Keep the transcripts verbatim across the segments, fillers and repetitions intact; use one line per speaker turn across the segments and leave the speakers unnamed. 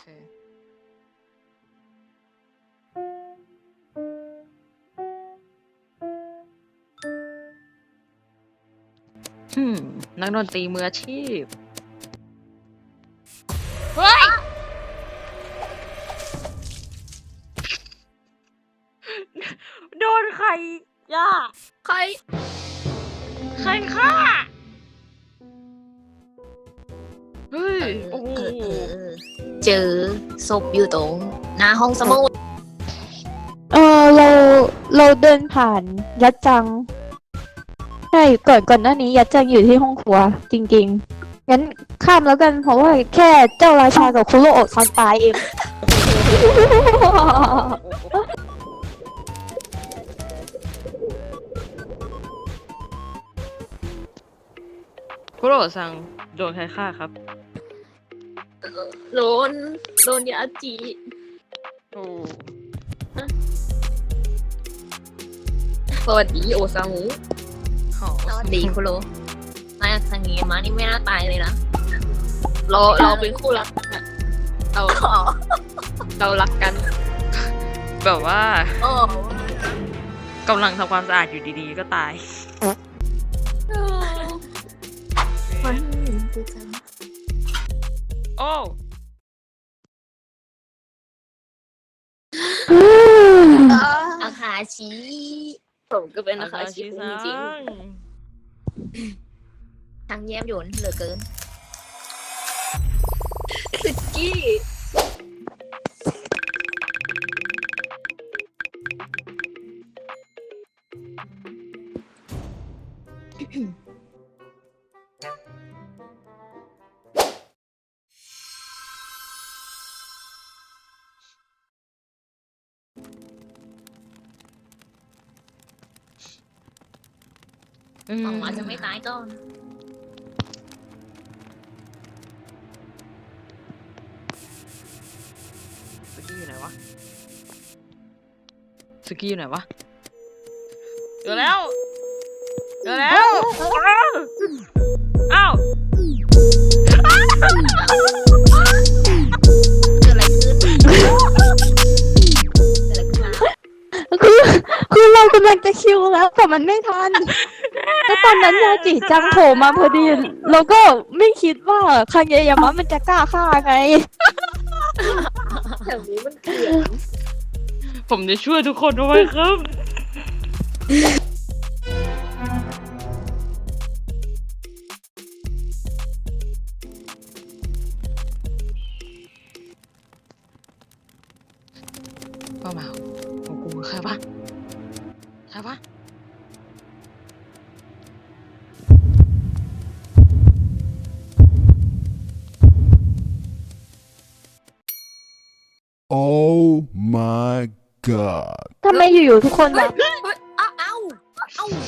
อืมนักดนตรีมืออาชีพเฮ้ยโดนใครย่าใครใครฆ่าเฮ้ยโอ้โห
เจอศพอยู่ตรงหน้าห้องสมุด
เออเราเราเดินผ่านยัดจังใช่ก่อนก่อนหน้านี้ยัดจังอยู่ที่ห้องครัวจริงๆงั้นข้ามแล้วกันเพราะว่าแค่เจ้าราชากับคุโรโอะตอนตายเอง
คุโรซังโดนใครฆ่าครับ
โดนโดนยาจี
โอ้
สวัสดีโอซามุ
หอ
สวัสดีคุโรมาทางนี้มานี่ไม่น่าตายเลยนะเราเราเป็นคู่รักกันเราเรารักกัน
แบบว่า
โอ้
กำลังทำความสะอาดอยู่ดีๆก็ตายโอ้
อาคาชิผมก็เป็นอาคาชิจริงๆทางแย้มหยวนเหลือเกินสุกี้หวังว่าจะไม่ตายก่อน
สกี้อยู่ไหนวะสกี้อยู่ไหนวะเจอแล้วเจอแล้วอ้าว
เกิดอะไรขึ้นเกิดอะไรขึ้นมา
คือคือเรากำลังจะคิวแล้วแต่มันไม่ทันแล้วตอนนั้นยาจิจังโผล่มาพอดีเราก็ไม่คิดว่าคางเยยามะมันจะกล้าฆ่าไง
แถวนี้มันเกลียด
ผมจะช่วยทุกคนเอาไว้ครับป้าหมาโอ้กูใครวะใครวะ
Oh my god
ทำไมอยู่ๆทุกคนแบบ
เอ้าเอ้าเอ้า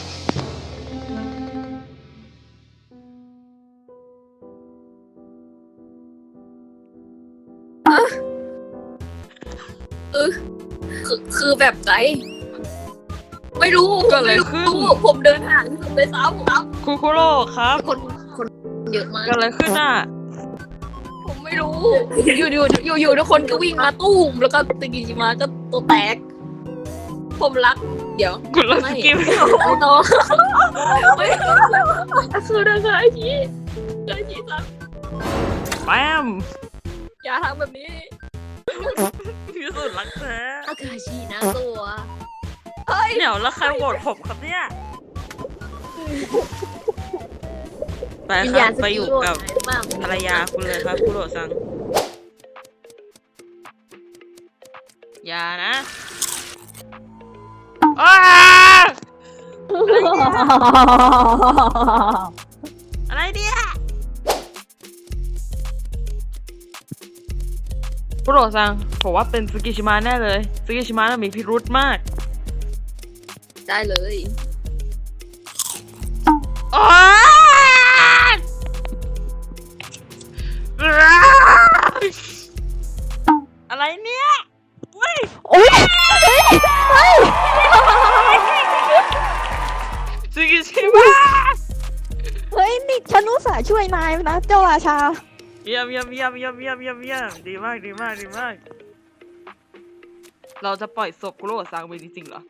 เออคือคือแบบไหนไม่รู้
เกิดอะไรขึ้น
ม่รู้ผมเดินห่างที่สุดไปซ้ำครับ
คุคุโร่ครับ
คนคนเยอะมาก
เกิดอะไรขึ้นอ่ะ
ผมไม่รู้ อยู่อยู่อยู่อยู่ทุกคนก็วิ่งมาตู้มแล้วก็ตะกี้จิมาก็ตัวแตก ผมรัก เดี๋ยว
คุณรักสกิล
ไม่ต้องไม่คือเรื่องอะไรที่เรื่องที่สัก
แปม
อย่าทำแบบนี้
ที่สุดรักแท้
อาคาชินะตัวเฮ้ย
เดี๋ยวแล้วใครโหวตผมครับเนี่ยไปครับไปอยู่กับภรรยาคุณเลยครับคุโรซังอย่านะอ้าอะไรเนี่ยคุโรซังผมว่าเป็นซึกิชิมะแน่เลยซึกิชิมะน่ะมีพิรุธมาก
ได้เลย
โอ๊ยอะไรเนี่ยอุ้ย
โอ๊ยเฮ้ย
ซึกิชิมะ
เฮ้ยนี่ฉันอุตส่าห์ช่วยนายนะเจ้าราชา
เยี่ยมเยี่ยมเยี่ยมเยี่ยมเยี่ยมเยี่ยมเยี่ยมดีมากดีมากดีมาก เราจะปล่อยศพกุโรซังไปจริงๆเหรอ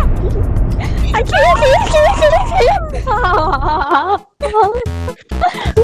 ไอ้คิวคิวคิวคิวคิว